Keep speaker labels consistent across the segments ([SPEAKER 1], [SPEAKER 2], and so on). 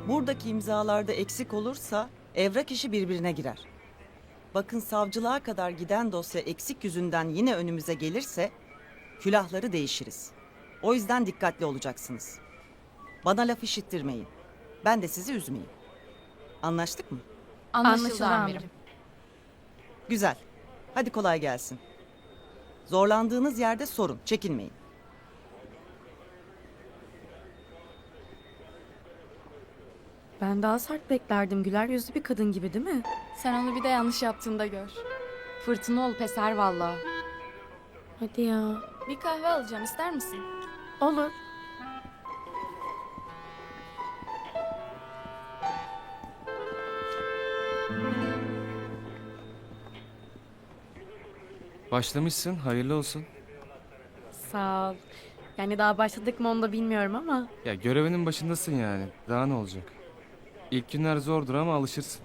[SPEAKER 1] Buradaki imzalarda eksik olursa evrak işi birbirine girer. Bakın savcılığa kadar giden dosya eksik yüzünden yine önümüze gelirse külahları değişiriz. O yüzden dikkatli olacaksınız. Bana laf işittirmeyin. Ben de sizi üzmeyeyim. Anlaştık mı?
[SPEAKER 2] Anlaşıldı amirim.
[SPEAKER 1] Güzel. Hadi kolay gelsin. Zorlandığınız yerde sorun, çekinmeyin.
[SPEAKER 3] Ben daha sert beklerdim. Güler yüzlü bir kadın gibi değil mi?
[SPEAKER 2] Sen onu bir de yanlış yaptığında gör. Fırtına olup eser valla.
[SPEAKER 3] Hadi ya.
[SPEAKER 2] Bir kahve alacağım, ister misin?
[SPEAKER 3] Olur.
[SPEAKER 4] Başlamışsın, hayırlı olsun.
[SPEAKER 3] Sağ ol. Yani daha başladık mı onu da bilmiyorum ama.
[SPEAKER 4] Ya görevinin başındasın yani. Daha ne olacak? İlk günler zordur ama alışırsın.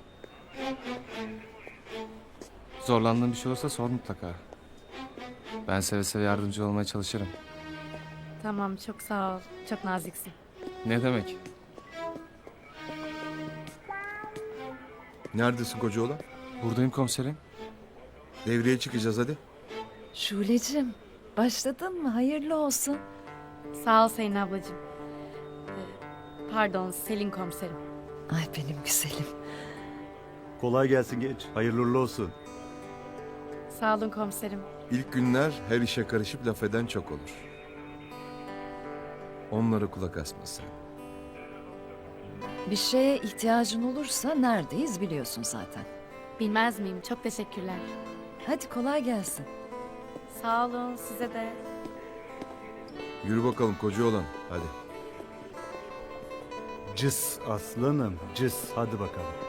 [SPEAKER 4] Zorlandığın bir şey olursa sor mutlaka. Ben seve seve yardımcı olmaya çalışırım.
[SPEAKER 3] Tamam, çok sağ ol. Çok naziksin.
[SPEAKER 4] Ne demek?
[SPEAKER 5] Neredesin kocaoğlan?
[SPEAKER 4] Buradayım komiserim.
[SPEAKER 5] Devreye çıkacağız hadi.
[SPEAKER 6] Şule'cim, başladın mı? Hayırlı olsun.
[SPEAKER 3] Sağ ol Selin ablacığım. Pardon, Selin komiserim.
[SPEAKER 6] Ay benim güzelim.
[SPEAKER 7] Kolay gelsin genç. Hayırlı uğurlu olsun.
[SPEAKER 3] Sağ olun komiserim.
[SPEAKER 5] İlk günler her işe karışıp laf eden çok olur. Onlara kulak asma sen.
[SPEAKER 6] Bir şeye ihtiyacın olursa neredeyiz biliyorsun zaten.
[SPEAKER 3] Bilmez miyim? Çok teşekkürler.
[SPEAKER 6] Hadi kolay gelsin.
[SPEAKER 3] Sağ olun, size de.
[SPEAKER 5] Yürü bakalım kocaoğlan hadi.
[SPEAKER 7] Cız aslanım, cız. Hadi bakalım.